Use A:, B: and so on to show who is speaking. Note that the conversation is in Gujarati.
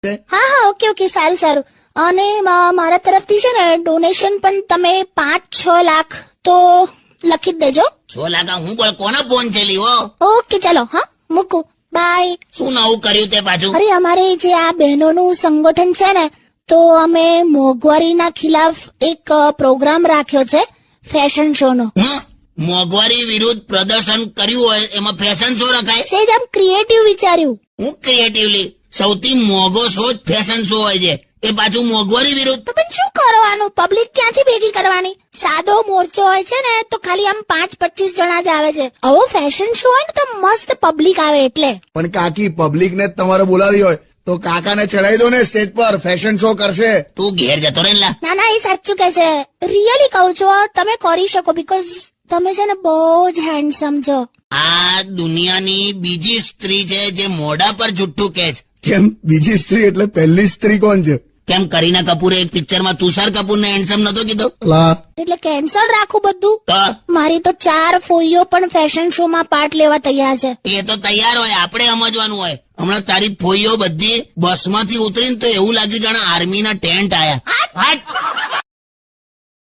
A: હા હા, ઓકે ઓકે, સારું સારું. અને મારા તરફથી છે ને ડોનેશન પણ તમે 5-6 લાખ તો લખી જ દેજો.
B: 6 લાખ હું બોલ, કોનો ફોન છે લીવો?
A: ઓકે ચાલો, હા મૂકું, બાય.
B: શું નવું કર્યું તે પાછું?
A: અરે અમારે જે આ બહેનોનું સંગઠન છે ને, તો અમે મોંઘવારીના ખિલાફ એક પ્રોગ્રામ રાખ્યો છે, ફેશન શો નો.
B: મોંઘવારી વિરુદ્ધ પ્રદર્શન કર્યું હોય એમાં ફેશન શો રખાય?
A: સેજ આમ ક્રિએટિવ વિચાર્યું.
B: હું ક્રિએટિવલી? સૌથી મોંઘો શો જ ફેશન શો હોય છે, એ પાછું મોંઘવારી વિરુદ્ધ.
A: તો પણ શું કરવાનું, પબ્લિક ક્યાંથી ભેગી કરવાની? સાદો મોરચો હોય છે ને તો ખાલી આમ 5-25 જણા જ આવે છે. આવો ફેશન શો હોય ને તો મસ્ત પબ્લિક આવે એટલે.
C: પણ કાકી, પબ્લિક ને તમારે બોલાવી હોય તો કાકાને ચડાવી દો ને સ્ટેજ પર, ફેશન શો કરશે.
B: તું ઘેર જતો રહે લા.
A: ના ના, એ સાચું કે છે, રિયલી કહું છું, તમે કરી શકો, બીકોઝ તમે છે ને બહુ જ હેન્ડસમ છો.
B: આ દુનિયાની બીજી સ્ત્રી છે જે મોઢા પર જુઠ્ઠું કહે છે.
C: કેમ, બીજી સ્ત્રી એટલે પહેલી સ્ત્રી કોણ છે?
B: કેમ કરીના કપૂરે એક પિક્ચરમાં તુષાર કપૂરને હેન્ડસમ નતો કીધો?
C: લા,
A: એટલે કેન્સલ રાખું બધું?
B: તો
A: મારી તો 4 ફોઈઓ પણ ફેશન શો માં પાર્ટ લેવા તૈયાર છે.
B: એ તો તૈયાર હોય, આપણે સમજવાનું હોય. હમણાં તારી ફોઈઓ બધી બસમાંથી ઉતરીને તો એવું લાગ્યું જાણે આર્મીના ટેન્ટ આયા.